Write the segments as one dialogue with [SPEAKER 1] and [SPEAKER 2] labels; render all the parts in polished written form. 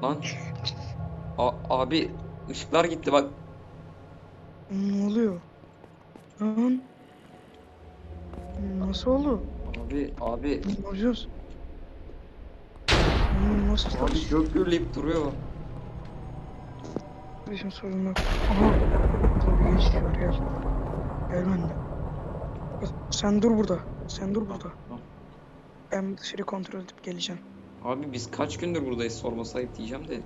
[SPEAKER 1] Lan. Abi ışıklar gitti bak.
[SPEAKER 2] Ne oluyor? Lan nasıl oldu?
[SPEAKER 1] Abi.
[SPEAKER 2] Ne yapacağız? Nasıl
[SPEAKER 1] Abi
[SPEAKER 2] yapacağız?
[SPEAKER 1] gök gürleyip duruyor.
[SPEAKER 2] Bizim sorun yok. Aha. Burada bir genç var gel. Gel benimle. Sen dur burada. Sen dur burada.
[SPEAKER 1] Tamam.
[SPEAKER 2] Ben dışarı kontrol edip geleceğim.
[SPEAKER 1] Abi biz kaç gündür buradayız, sorması ayıp diyeceğim de.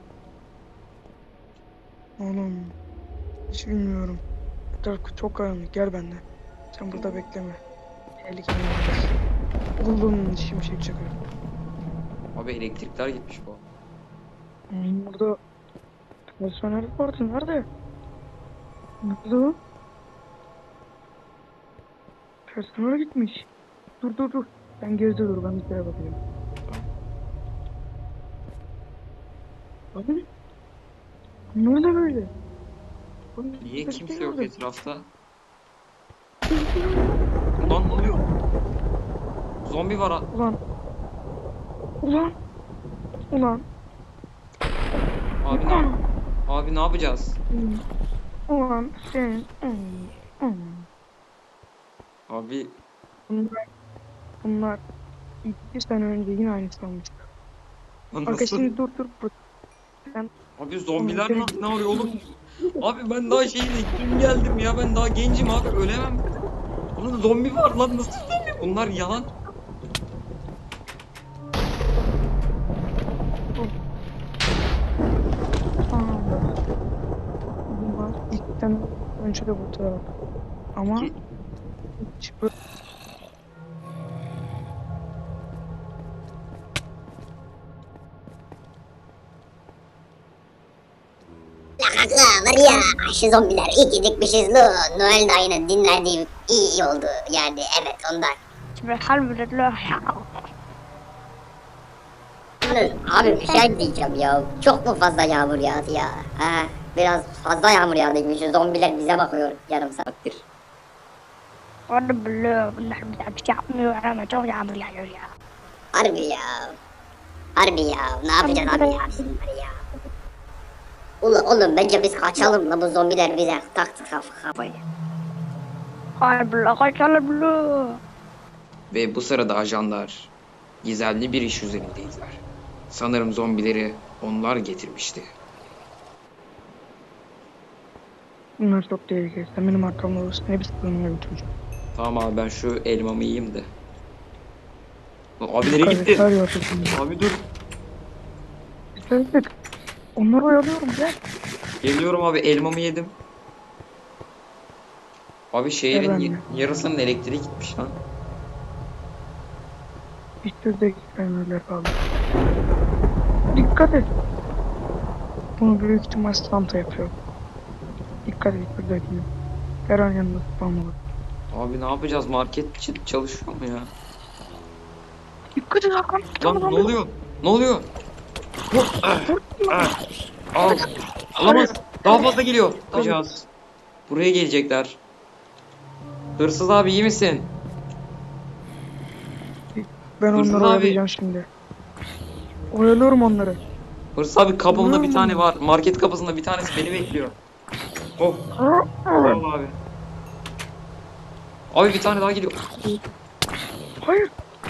[SPEAKER 2] Oğlum hiç bilmiyorum. Etraf çok karanlık. Gel benimle. Sen burada bekleme. Tehlikeli olabilir. Oğlum şimşek çakıyor.
[SPEAKER 1] Abi elektrikler gitmiş bu.
[SPEAKER 2] Burada personel vardı. Nerede? Nerede o? Personel gitmiş. Dur. Ben geride dur. Ben bir kere bakayım. Abi. Ne da böyle?
[SPEAKER 1] Niye kimse yok
[SPEAKER 2] orada?
[SPEAKER 1] etrafta? Ulan ne oluyor? Zombi var ha.
[SPEAKER 2] Ulan.
[SPEAKER 1] Abi abi ne yapacağız?
[SPEAKER 2] Ulan sen.
[SPEAKER 1] Abi
[SPEAKER 2] Bunlar 2 sene önce yine aynısı olmuştu. Arkadaş
[SPEAKER 1] nasıl?
[SPEAKER 2] şimdi dur. Ben
[SPEAKER 1] Abi zombiler ne arıyor oğlum? Abi ben daha dün geldim ya, ben daha gencim abi, ölemem. Oğlum zombi var lan, nasıl zombi? Bunlar yalan.
[SPEAKER 2] bunlar 2 sene önce de burada. Ama
[SPEAKER 1] Ki-
[SPEAKER 2] hiç böyle
[SPEAKER 3] Kanka var ya aşı zombiler iyi ki dikmişiz lo. Noel dayının dinlendiği iyi oldu yani evet ondan.
[SPEAKER 2] Elhamdülillah.
[SPEAKER 3] Abi bir şey diyeceğim ya. Çok mu fazla yağmur yağdı ya? Ha, biraz fazla yağmur yağdıymış. Şu zombiler bize bakıyor yarım saattir.
[SPEAKER 2] Vallahi billahi bunlar bir şey yapmıyor ama çok yağmur yağıyor ya.
[SPEAKER 3] Harbi ya. Harbi ya. Ne yapacağız abi ya bunlar ya. Oğlum bence biz kaçalım la, bu zombiler bize taktı kafayı.
[SPEAKER 2] Harbi la kaçalım la.
[SPEAKER 1] Ve bu sırada ajanlar gizemli bir iş üzerindeydiler. Sanırım zombileri onlar getirmişti.
[SPEAKER 2] Bunlar çok tehlikeli. Sen benim arkamda olursun. Hepsi sığınmaya götüreceğim.
[SPEAKER 1] Tamam abi, ben şu elmamı yiyeyim de. Abi nereye gitti? Abi dur.
[SPEAKER 2] Dikkat. Onları oyalıyorum gel.
[SPEAKER 1] Geliyorum abi, elmamı yedim. Abi şehrin
[SPEAKER 2] Evet.
[SPEAKER 1] yarısının elektriği gitmiş lan.
[SPEAKER 2] Bir sürü gitmeyenler kaldı. Dikkat et. Bunu büyük ihtimal Santa yapıyor. Dikkat et buradakine. Her an yanında spam olur.
[SPEAKER 1] Abi ne yapacağız? Market çalışıyor mu ya?
[SPEAKER 2] Dikkat et Hakan.
[SPEAKER 1] Lan ne oluyor? Ne oluyor? Al. Alamaz. Daha fazla geliyor. Ne yapacağız? Buraya gelecekler. Hırsız abi iyi misin?
[SPEAKER 2] Ben
[SPEAKER 1] Hırsız
[SPEAKER 2] onları
[SPEAKER 1] abi.
[SPEAKER 2] oyalayacağım şimdi. Oyalıyorum onları.
[SPEAKER 1] Hırsız abi, kapımda bir tane var. Market kapısında bir tanesi beni bekliyor. Oh. Al abi. Abi bir tane daha geliyor.
[SPEAKER 2] Hayır.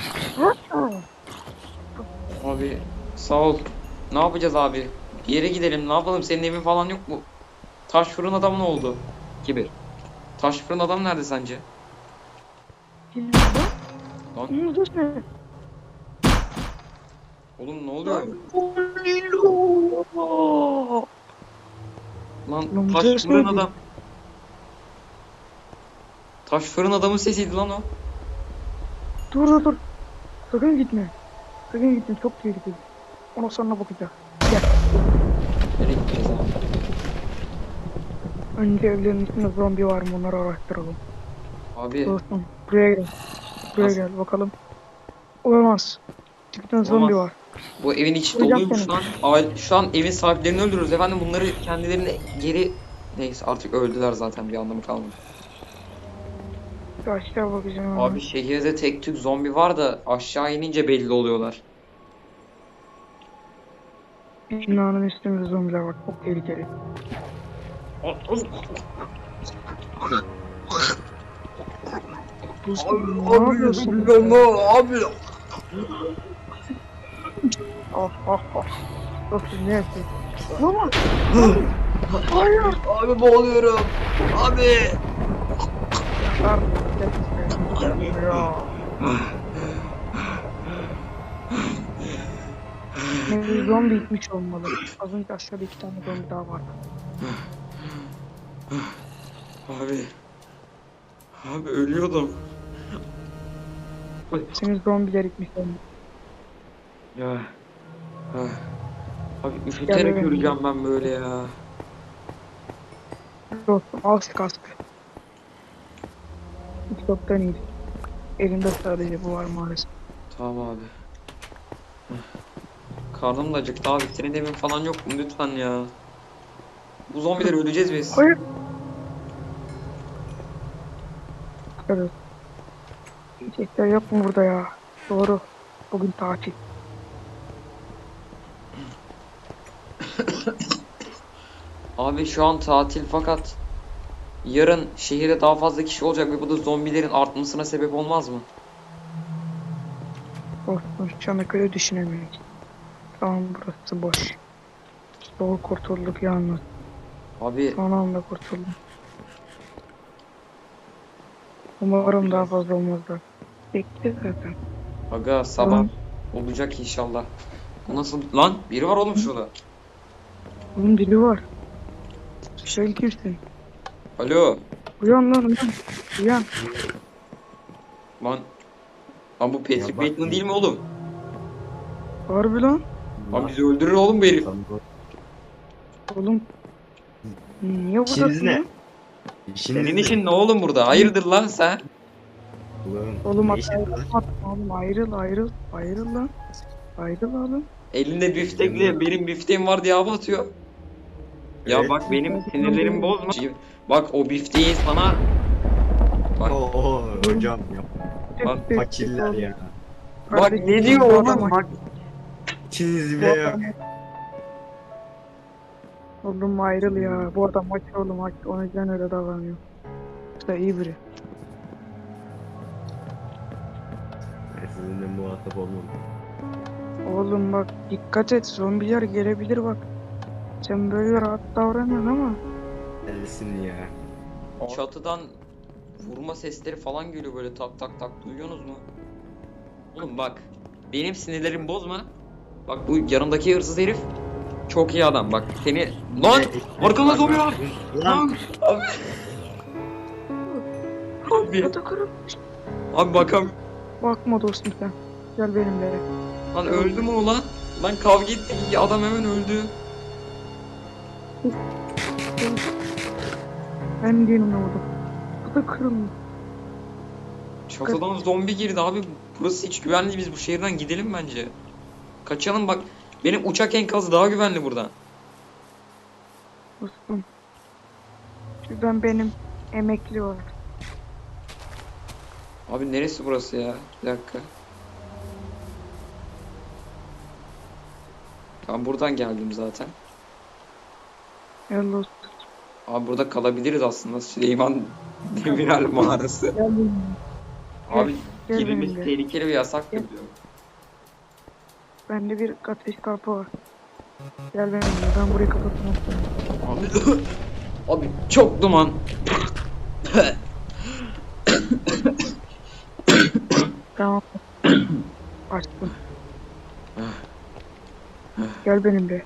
[SPEAKER 1] Abi sağ ol. Ne yapacağız abi? Bir yere gidelim. Ne yapalım? Senin evin falan yok mu? Taş fırın adam ne oldu? Kibir. Taş fırın adam nerede sence? Lan oğlum ne oluyor? Lan
[SPEAKER 2] Lan
[SPEAKER 1] taş
[SPEAKER 2] ses
[SPEAKER 1] fırın
[SPEAKER 2] neydi?
[SPEAKER 1] adam. Taş fırın adamın sesiydi lan o.
[SPEAKER 2] Dur. Sakın gitme. Çok tehlikeli. Ona sonra bakacağız. Gel.
[SPEAKER 1] Nereye gideceğiz abi?
[SPEAKER 2] Önce evlerin içinde zombi var mı onları araştıralım.
[SPEAKER 1] Abi
[SPEAKER 2] Dostum buraya gel.
[SPEAKER 1] Nasıl?
[SPEAKER 2] Gel bakalım. Olamaz. Çıktığın zombi var.
[SPEAKER 1] bu evin içi
[SPEAKER 2] Vuracağım
[SPEAKER 1] doluymuş
[SPEAKER 2] seni.
[SPEAKER 1] lan. Şu an evin sahiplerini öldürürüz efendim. Bunları kendilerine geri... Neyse artık öldüler zaten, bir anlamı kalmadı.
[SPEAKER 2] Bir aşağı bakacağım.
[SPEAKER 1] Abi şehirde tek tük zombi var da aşağı inince belli oluyorlar.
[SPEAKER 2] Binanın üstünde zombiler var. Çok tehlikeli. Dostum, ne yapıyorsun?
[SPEAKER 1] Abi.
[SPEAKER 2] Ah ah ah. Dostum ne yapıyorsun? Baba. Hayır.
[SPEAKER 1] Abi boğuluyorum. Abi.
[SPEAKER 2] Ya. Ne zombi gitmiş olmalı. Az önce aşağıda 2 tane zombi daha vardı.
[SPEAKER 1] Abi. Abi ölüyordum.
[SPEAKER 2] Senin zombiler gitmiş olmalı.
[SPEAKER 1] Ya. Abi üşüterek
[SPEAKER 2] Gel,
[SPEAKER 1] öleceğim ben böyle ya.
[SPEAKER 2] Dostum al şu kaskı. Hiç yoktan iyi. Elimde sadece bu var maalesef.
[SPEAKER 1] Tamam abi. Karnım da acıktı abi. Senin evin falan yok mu lütfen ya. Bu zombiler öleceğiz biz.
[SPEAKER 2] Hayır. Evet. Yiyecekler yok mu burada ya? Doğru. Bugün tatil.
[SPEAKER 1] Abi şu an tatil fakat yarın şehirde daha fazla kişi olacak ve bu da zombilerin artmasına sebep olmaz mı?
[SPEAKER 2] Dostum şu ana göre düşünemiyorum. Tamam burası boş. Doğru kurtulduk yalnız.
[SPEAKER 1] Abi
[SPEAKER 2] Son anda kurtuldum. Umarım daha fazla olmazlar. Bekle zaten.
[SPEAKER 1] aga sabah olacak inşallah. Bu nasıl lan? Biri var oğlum şurada.
[SPEAKER 2] Bunun dili var. Sen kimsin?
[SPEAKER 1] Alo.
[SPEAKER 2] Uyan lan uyan. Uyan.
[SPEAKER 1] Lan. Lan bu Patrick Bateman değil mi oğlum?
[SPEAKER 2] Harbi lan.
[SPEAKER 1] Lan bizi öldürür oğlum bu herif.
[SPEAKER 2] Oğlum. Niye buradasın
[SPEAKER 4] İşiniz ne?
[SPEAKER 2] lan?
[SPEAKER 1] Senin işin ne oğlum burada? Hayırdır lan sen?
[SPEAKER 2] Oğlum
[SPEAKER 4] ne işin var?
[SPEAKER 2] oğlum ayrıl ayrıl. Ayrıl lan. Ayrıl oğlum.
[SPEAKER 1] Elinde biftekle benim bifteğim var diye hava atıyor. Ya
[SPEAKER 4] Evet.
[SPEAKER 1] bak benim sinirlerimi bozma. Bak o bifteği sana... Bak,
[SPEAKER 4] Oo hocam ya.
[SPEAKER 1] Lan
[SPEAKER 4] Fakirler ya.
[SPEAKER 1] bak ne diyor oğlum bak.
[SPEAKER 4] İçiniz bile yok.
[SPEAKER 2] Oğlum ayrıl ya. Bu adam maç oğlum maç. O yüzden öyle davranıyor. İşte iyi biri.
[SPEAKER 4] Ben sizinle muhatap olmam.
[SPEAKER 2] Oğlum bak dikkat et. Zombiler gelebilir bak. Sen böyle rahat davranıyorsun ama.
[SPEAKER 4] Ellisin ya.
[SPEAKER 1] Çatıdan vurma sesleri falan geliyor böyle tak tak tak, duyuyorsunuz mu? Oğlum bak benim sinirlerimi bozma. Bak bu yanımdaki hırsız herif çok iyi adam bak seni... Lan! Arkamda zombi var! Lan! Abi,
[SPEAKER 2] Atakarım.
[SPEAKER 1] abi bakam...
[SPEAKER 2] Bakma dostum sen. Gel benimle.
[SPEAKER 1] Lan öldü mü o lan? Lan kavga ettik adam hemen öldü.
[SPEAKER 2] Ben değilim ne oldu? Atakarım.
[SPEAKER 1] Çatıdan zombi girdi abi. Burası hiç güvenli, biz bu şehirden gidelim bence. Kaçalım bak. Benim uçak enkazı daha güvenli buradan.
[SPEAKER 2] Dostum. Şuradan benim emekli var.
[SPEAKER 1] Abi neresi burası ya? Bir dakika. Ben buradan geldim zaten.
[SPEAKER 2] Gel dostum.
[SPEAKER 1] Abi burada kalabiliriz aslında. Süleyman Demirel mağarası.
[SPEAKER 2] Gel benimle.
[SPEAKER 1] Abi
[SPEAKER 2] Gel
[SPEAKER 1] girmemiz
[SPEAKER 2] benimle.
[SPEAKER 1] tehlikeli ve yasak
[SPEAKER 2] Gel.
[SPEAKER 1] biliyorum.
[SPEAKER 2] Bende bir ateş kartı var. Gel benimle. Ben burayı kapatmam.
[SPEAKER 1] Abi, abi çok duman.
[SPEAKER 2] Tamam. Açtım. Gel benimle.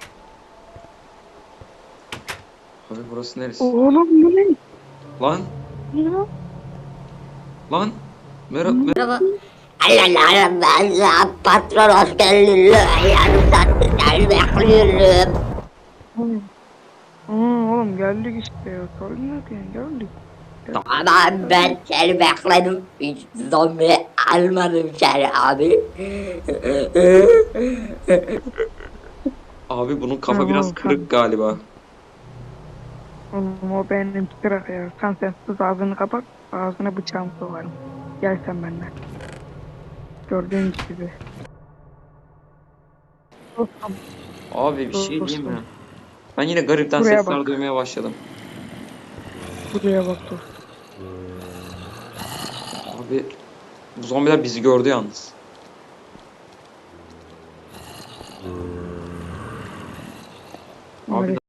[SPEAKER 1] Abi burası neresi?
[SPEAKER 2] Oğlum bu ne?
[SPEAKER 1] Lan
[SPEAKER 2] Ya.
[SPEAKER 1] lan. Merhaba.
[SPEAKER 3] Merhaba. Allah patron hoş geldin. Ayağını seni bekliyorum.
[SPEAKER 2] Oğlum geldik işte ya. Sorun yok yani geldik.
[SPEAKER 3] Ama ben seni bekledim. Hiç zombi almadım seni abi.
[SPEAKER 1] Abi bunun kafa
[SPEAKER 2] Tamam,
[SPEAKER 1] biraz
[SPEAKER 2] tamam.
[SPEAKER 1] kırık galiba.
[SPEAKER 2] Oğlum o benim kırak ya. Sen sus ağzını kapat. Ağzına bıçağımı sokarım. Gel sen benimle. Gördüğün gibi. Dostum.
[SPEAKER 1] Abi bir şey diyeyim mi?
[SPEAKER 2] Dostum.
[SPEAKER 1] Ben yine garipten
[SPEAKER 2] Buraya
[SPEAKER 1] sesler
[SPEAKER 2] bak.
[SPEAKER 1] duymaya başladım.
[SPEAKER 2] Buraya bak dur.
[SPEAKER 1] Abi bu zombiler bizi gördü yalnız. Abi
[SPEAKER 2] Evet.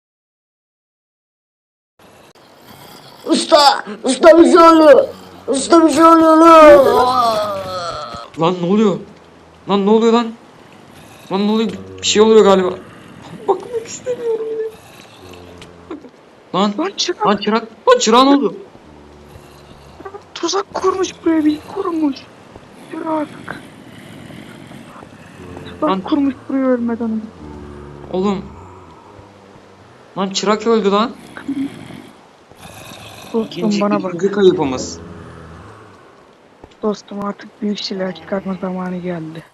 [SPEAKER 3] Usta! Usta bir şey oluyor! Usta bir şey oluyor lan!
[SPEAKER 1] lan ne oluyor? Lan ne oluyor lan? Lan ne oluyor? Bir şey oluyor galiba. Bakmak istemiyorum yine. Lan
[SPEAKER 2] Lan çırak
[SPEAKER 1] lan çırak. Lan çırak ne oldu?
[SPEAKER 2] tuzak kurmuş buraya bir kurmuş. Çırak.
[SPEAKER 1] Lan-
[SPEAKER 2] Tuzak kurmuş buraya ölmeden önce.
[SPEAKER 1] Oğlum. Lan çırak öldü lan.
[SPEAKER 2] Dostum bana bak.
[SPEAKER 1] İkinci kayıpımız.
[SPEAKER 2] Dostum artık büyük silah çıkartma zamanı geldi.